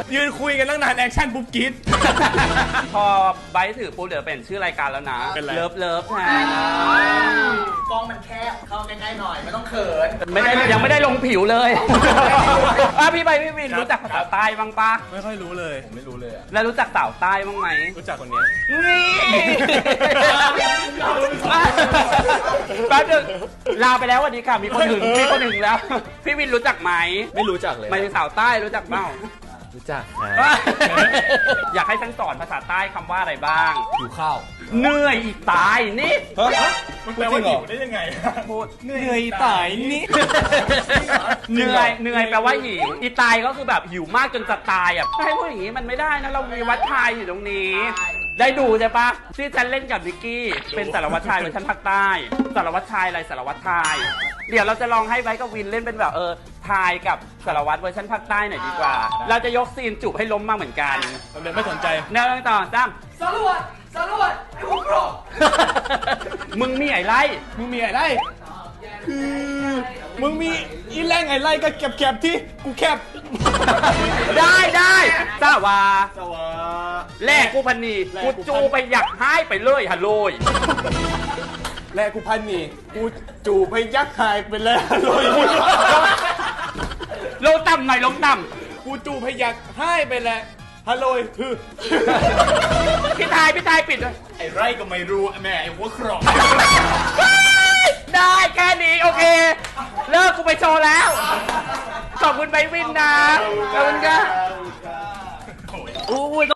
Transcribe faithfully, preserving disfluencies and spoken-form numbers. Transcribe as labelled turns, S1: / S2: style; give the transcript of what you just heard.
S1: ยืนคุยกันตั้งนานแอคชั่นปุ๊บกรี๊ด
S2: พอไบร์ทถือปุ๊บเดี๋ยวเป็นชื่อรายการแล้วนะ
S1: เป็นไร
S2: เลิฟเลิฟแทน
S3: กล้องมันแคบเข้าใกล้ๆหน่อยไม่ต้องเขิน
S2: ไม่ได้ยังไม่ได้ลงผิวเลยอ่ะพี่ใบพี่วินรู้จักภาษาใต้บ้างปะ
S1: ไม่ค่อยรู้เลยผมไม่รู้เลยอะ
S2: แล้วรู้จักสาวใต้บ้างไหม
S1: รู้จักคนเนี้ย
S2: นี่แป๊บนึงลาไปแล้ววันนี้ค่ะมีคนหึงมีคนหึงแล้ว พี่วินรู้จักไหม
S1: ไม่รู้จักเลย
S2: หมายถึงสาวใต้รู้จักเปล่า
S1: รู้จัก
S2: อยากให้ฉันสอนภาษาใต้คำว่าอะไรบ้าง
S1: หิวข้าว
S2: เหนื่อยอีกตายนี่
S1: มันแปลว่าหิวได้ยังไง
S2: พูด
S1: เหนื่อยตายนี่
S2: เหนื่อยเหนื่อยแปลว่าหิวอีตายก็คือแบบหิวมากจนจะตายอ่ะให้พูดอย่างนี้มันไม่ได้นะเรามีวัดชายอยู่ตรงนี้ ได้ดูใช่ปะที่ฉันเล่นกับนิกกี้เป็นสารวัตรชายเวอร์ชันภาคใต้สารวัตรชายอะไรสารวัตรชายเดี๋ยวเราจะลองให้ไบร์ทกับวินเล่นเป็นแบบเออทายกับสารวัตรเวอร์ชันภาคใต้หน่อยดีกว่า เราจะยกซีนจูบให้ล้มมาเหมือนกัน
S1: ผมเลยไม่สนใจ
S2: เนื้อต่อจ้ำ
S3: สรวจสรวจไอ้พวกโกรธ
S2: มึงมีไอ้ไร
S1: มึงมีอะไรคือมึงมีอีแรงไงไล่ก็แคบๆที่กูแคบ
S2: ได้ได้สาวา
S1: สวา
S2: แลกกูพันนี
S1: แลก
S2: กู
S1: กูพัน
S2: จูไปอยากให้ไปเลยฮัลโหลย
S1: แลกูพันนี่กูจูบให้ยักษ์หายไปแล้วเลย
S2: ลงต่ำหน่อยลงต่
S1: กูจูบให้ยักษ์หายไปแล้วฮัลโหลคือ
S2: ำพี่ทายพี่ทายปิดเลย
S1: ไอ้ไรก็ไม่รู้แม่ไอ้หัวครอง
S2: ได้แค่นี้โอเค เลิกกูไปโชว์แล้ว ขอบคุณไบวินนะขอบคุณค่ะอู้ย